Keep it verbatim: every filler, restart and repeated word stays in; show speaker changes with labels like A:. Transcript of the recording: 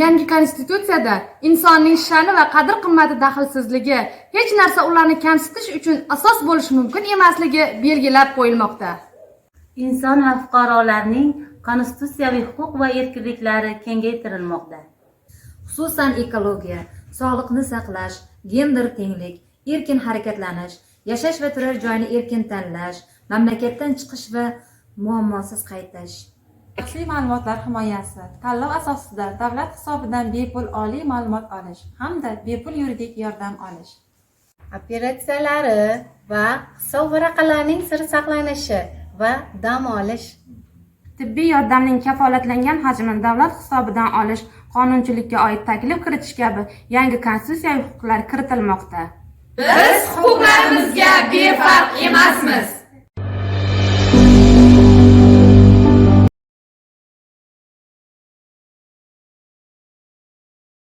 A: Yangi konstitutsiyada insonning sha'ni va qadr-qimmati daxlsizligi, hech narsa ularni kamsitish uchun asos bo'lishi mumkin emasligi belgilab qo'yilmoqda.
B: Inson va fuqarolarning konstitutsiyaviy huquq va erkinliklari kengaytirilmoqda.
C: Xususan ekologiya, sog'liqni saqlash, gender tenglik, erkin harakatlanish, yashash va turar joyni erkin tanlash, mamlakatdan chiqish va muammosiz qaytish.
D: Shaxsiy ma'lumotlar himoyasi, tanlov asosida davlat hisobidan bepul oliy ma'lumot olish hamda bepul yuridik yordam olish.
E: Operatsiyalari va hisob varaqalarining siri saqlanishi va dam olish.
A: Tibbiy yordamning kafolatlangan hajmini davlat hisobidan olish, qonunchilikka oid taklif kiritish kabi yangi konstitutsiyaviy huquqlar kiritilmoqda.
F: Biz huquqlarimizga befarq emasmiz.